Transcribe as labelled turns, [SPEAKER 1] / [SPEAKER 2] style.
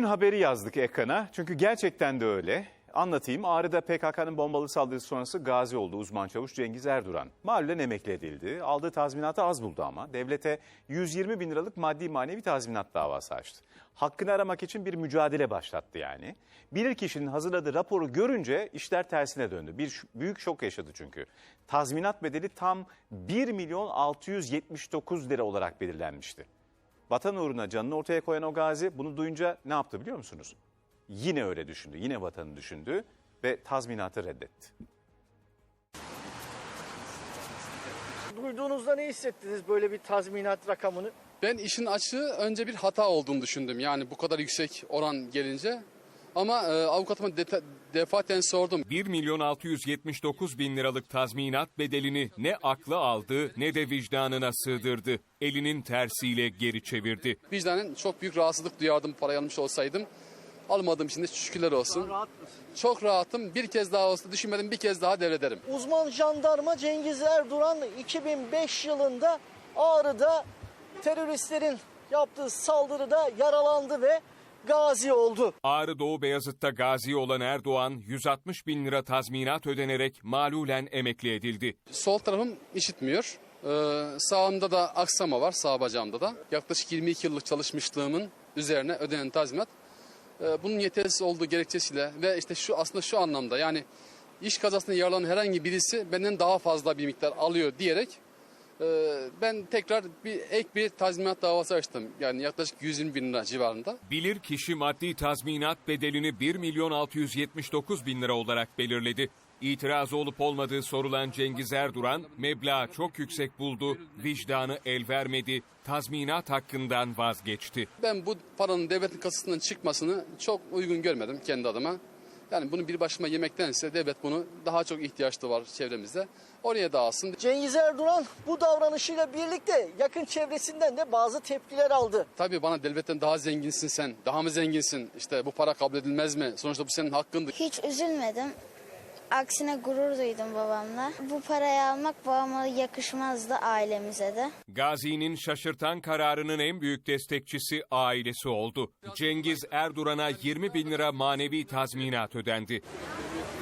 [SPEAKER 1] haberi yazdık ekrana. Çünkü gerçekten de öyle. Anlatayım. Ağrı'da PKK'nın bombalı saldırısı sonrası gazi oldu uzman çavuş Cengiz Erduran. Malulen emekli edildi. Aldığı tazminatı az buldu ama. Devlete 120 bin liralık maddi manevi tazminat davası açtı. Hakkını aramak için bir mücadele başlattı yani. Bilirkişinin hazırladığı raporu görünce işler tersine döndü. Bir büyük şok yaşadı çünkü. Tazminat bedeli tam 1 milyon 679 lira olarak belirlenmişti. Vatan uğruna canını ortaya koyan o gazi bunu duyunca ne yaptı biliyor musunuz? Yine öyle düşündü, yine vatanı düşündü ve tazminatı reddetti.
[SPEAKER 2] Duyduğunuzda ne hissettiniz böyle bir tazminat rakamını?
[SPEAKER 3] Ben işin açığı önce bir hata olduğunu düşündüm. Yani bu kadar yüksek oran gelince. Ama avukatıma defaten sordum.
[SPEAKER 4] 1 milyon 679 bin liralık tazminat bedelini ne aklı aldı ne de vicdanına sığdırdı. Elinin tersiyle geri çevirdi.
[SPEAKER 3] Vicdanen çok büyük rahatsızlık duyardım parayı almış olsaydım. Almadığım için de şükürler olsun.
[SPEAKER 2] Rahat mısın?
[SPEAKER 3] Çok rahatım. Bir kez daha olsa düşünmedim, bir kez daha devrederim.
[SPEAKER 2] Uzman jandarma Cengiz Erduran 2005 yılında Ağrı'da teröristlerin yaptığı saldırıda yaralandı ve gazi oldu.
[SPEAKER 4] Ağrı Doğu Beyazıt'ta gazi olan Erdoğan 160 bin lira tazminat ödenerek malulen emekli edildi.
[SPEAKER 3] Sol tarafım işitmiyor. Sağımda da aksama var, sağ bacağımda da. Yaklaşık 22 yıllık çalışmışlığımın üzerine ödenen tazminat. Bunun yetersiz olduğu gerekçesiyle ve işte aslında şu anlamda, yani iş kazasında yaralanan herhangi birisi benden daha fazla bir miktar alıyor diyerek ben tekrar ek bir tazminat davası açtım. Yani yaklaşık 120 bin lira civarında.
[SPEAKER 4] Bilirkişi maddi tazminat bedelini 1 milyon 679 bin lira olarak belirledi. İtiraz olup olmadığı sorulan Cengiz Erduran, meblağı çok yüksek buldu, vicdanı el vermedi, tazminat hakkından vazgeçti.
[SPEAKER 3] Ben bu paranın devletin kasasından çıkmasını çok uygun görmedim kendi adıma. Yani bunu bir başıma yemektense devlet bunu daha çok ihtiyaçlı var çevremizde. Oraya dağılsın.
[SPEAKER 2] Cengiz Erduran bu davranışıyla birlikte yakın çevresinden de bazı tepkiler aldı.
[SPEAKER 3] Tabii bana devletten daha zenginsin sen, daha mı zenginsin? İşte bu para kabul edilmez mi? Sonuçta bu senin hakkındı.
[SPEAKER 5] Hiç üzülmedim. Aksine gurur duydum babamla. Bu parayı almak babama yakışmazdı, ailemize de.
[SPEAKER 4] Gazi'nin şaşırtan kararının en büyük destekçisi ailesi oldu. Cengiz Erduran'a 20 bin lira manevi tazminat ödendi.